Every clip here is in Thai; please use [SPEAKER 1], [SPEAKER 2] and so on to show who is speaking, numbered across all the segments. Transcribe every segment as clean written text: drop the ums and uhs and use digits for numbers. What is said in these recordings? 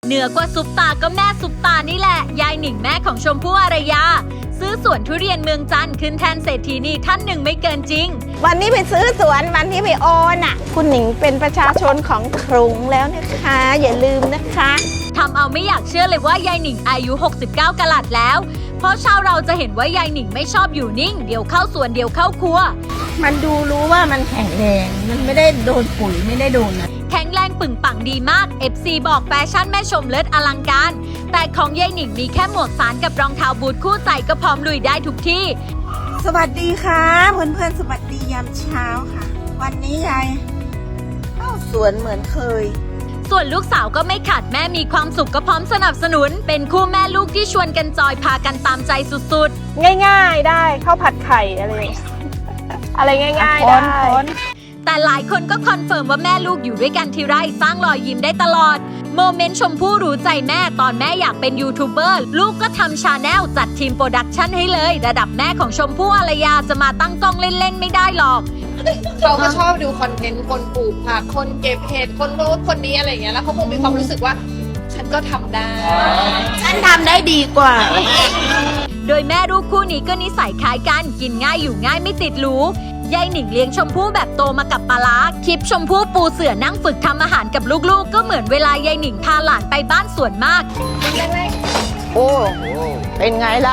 [SPEAKER 1] เหนือกว่าซุปตาก็แม่ซุปตานี่แหละยายหนิงแม่ของชมพู่อารยาซื้อสวนทุเรียนเมืองจันทร์ขึ้นแทนเศรษฐีนีท่านหนึ่งไม่เกินจริง
[SPEAKER 2] วันนี้ไปซื้อสวนวันที่ไปโอนอ่ะคุณหนิงเป็นประชาชนของกรุงแล้วนะคะอย่าลืมนะคะ
[SPEAKER 1] ทำเอาไม่อยากเชื่อเลยว่ายายหนิงอายุ69กะลัดแล้วเพราะชาวเราจะเห็นว่ายายหนิงไม่ชอบอยู่นิ่งเดี๋ยวเข้าสวนเดี๋ยวเข้าครัว
[SPEAKER 2] มันดูรู้ว่ามันแข็งแรงมันไม่ได้โดนปุ๋ยไม่ได้โดนนะ
[SPEAKER 1] แข็งแรงปึ่งปังดีมาก FC บอกแฟชั่นแม่ชมเลิศอลังการแต่ของยายหนิงมีแค่หมวกสารกับรองเท้าบูทคู่ใจก็พร้อมลุยได้ทุกที่
[SPEAKER 2] สวัสดีค่ะเพื่อนๆสวัสดียามเช้าค่ะวันนี้ยายเข้าสวนเหมือนเคย
[SPEAKER 1] ส่วนลูกสาวก็ไม่ขาดแม่มีความสุขก็พร้อมสนับสนุนเป็นคู่แม่ลูกที่ชวนกันจอยพากันตามใจสุด
[SPEAKER 3] ๆง่ายๆได้ข้าวผัดไข่อะไรง่ายๆได้
[SPEAKER 1] แต่หลายคนก็คอนเฟิร์มว่าแม่ลูกอยู่ด้วยกันทีไรสร้างรอยยิ้มได้ตลอดโมเมนต์ชมพู่รู้ใจแม่ตอนแม่อยากเป็นยูทูบเบอร์ลูกก็ทำชาแนลจัดทีมโปรดักชั่นให้เลยระดับแม่ของชมพู่อารยาจะมาตั้งกล้องเล่นๆไม่ได้หรอก
[SPEAKER 4] เขาก็ชอบดูคอนเทนต์คนปลูกผักคนเก็บเห็ดคนโน้นคนนี้อะไรอย่างเงี้ยแล้วเขาคงมีความรู้สึกว่าฉันก็ทำได้
[SPEAKER 2] ฉันทำได้ดีกว่า
[SPEAKER 1] โดยแม่ลูกคู่นี้ก็นิสัยคล้ายกันกินง่ายอยู่ง่ายไม่ติดหรูยายหนิงเลี้ยงชมพู่แบบโตมากับปลาร้าคลิปชมพู่ปูเสื่อนั่งฝึกทำอาหารกับลูกๆก็เหมือนเวลายายหนิงพาหลานไปบ้านสวนมาก
[SPEAKER 2] โอ้เป็นไงล่ะ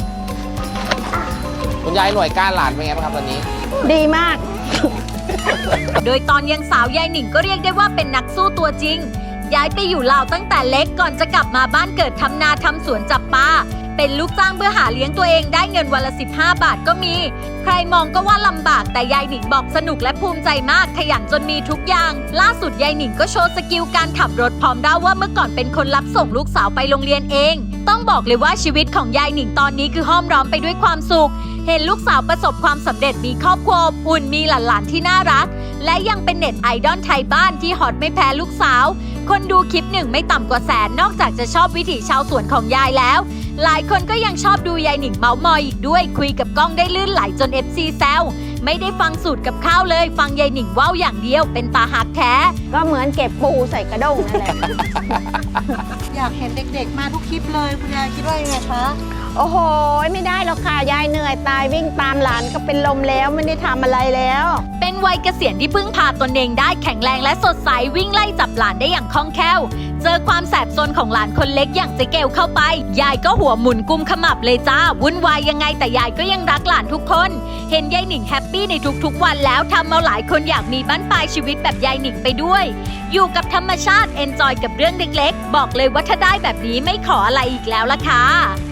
[SPEAKER 5] คุณยายหน่วยก้านหลานเป็นไงบ้างครับตอนนี้
[SPEAKER 2] ดีมาก
[SPEAKER 1] โดยตอนยังสาวยายหนิงก็เรียกได้ว่าเป็นนักสู้ตัวจริงย้ายไปอยู่ลาวตั้งแต่เล็กก่อนจะกลับมาบ้านเกิดทำนาทำสวนจับปลาเป็นลูกจ้างเพื่อหาเลี้ยงตัวเองได้เงินวันละ15 บาทก็มีใครมองก็ว่าลำบากแต่ยายหนิงบอกสนุกและภูมิใจมากขยันจนมีทุกอย่างล่าสุดยายหนิงก็โชว์สกิลการขับรถพร้อมเล่าว่าเมื่อก่อนเป็นคนรับส่งลูกสาวไปโรงเรียนเองต้องบอกเลยว่าชีวิตของยายหนิงตอนนี้คือห้อมล้อมไปด้วยความสุขเห็นลูกสาวประสบความสำเร็จมีครอบครัวอบอุ่นมีหลานๆที่น่ารักและยังเป็นเน็ตไอดอลไทยบ้านที่ฮอตไม่แพ้ลูกสาวคนดูคลิปหนึ่งไม่ต่ำกว่าแสนนอกจากจะชอบวิถีชาวสวนของยายแล้วหลายคนก็ยังชอบดูยายหนิงเมาท์มอยอีกด้วยคุยกับกล้องได้ลื่นไหลจน FC แซวไม่ได้ฟังสูตรกับข้าวเลยฟังยายหนิงว่าวอย่างเดียวเป็นตาหักแท้
[SPEAKER 2] ก็เหมือนเก็บปูใส่กระด้งนั่นแหละ
[SPEAKER 4] อยากเห็นเด็กๆมาทุกคลิปเลยคุณยายคิดว่ายังไงคะ
[SPEAKER 2] โอ้โหไม่ได้หรอกค่ะยายเหนื่อยตายวิ่งตามหลานก็เป็นลมแล้วไม่ได้ทำอะไรแล้ว
[SPEAKER 1] เป็นวัยเกษียณที่พึ่งพาตนเองได้แข็งแรงและสดใสวิ่งไล่จับหลานได้อย่างคล่องแคล่วเจอความแสบซนของหลานคนเล็กอย่างเจ๊เกลเข้าไปยายก็หัวหมุนกุมขมับเลยจ้าวุ่นวายยังไงแต่ยายก็ยังรักหลานทุกคนเห็นยายหนิงแฮปปี้ในทุกๆวันแล้วทำเอาหลายคนอยากมีบั้นปลายชีวิตแบบยายหนิงไปด้วยอยู่กับธรรมชาติเอนจอยกับเรื่องเล็กๆบอกเลยว่าถ้าได้แบบนี้ไม่ขออะไรอีกแล้วล่ะค่ะ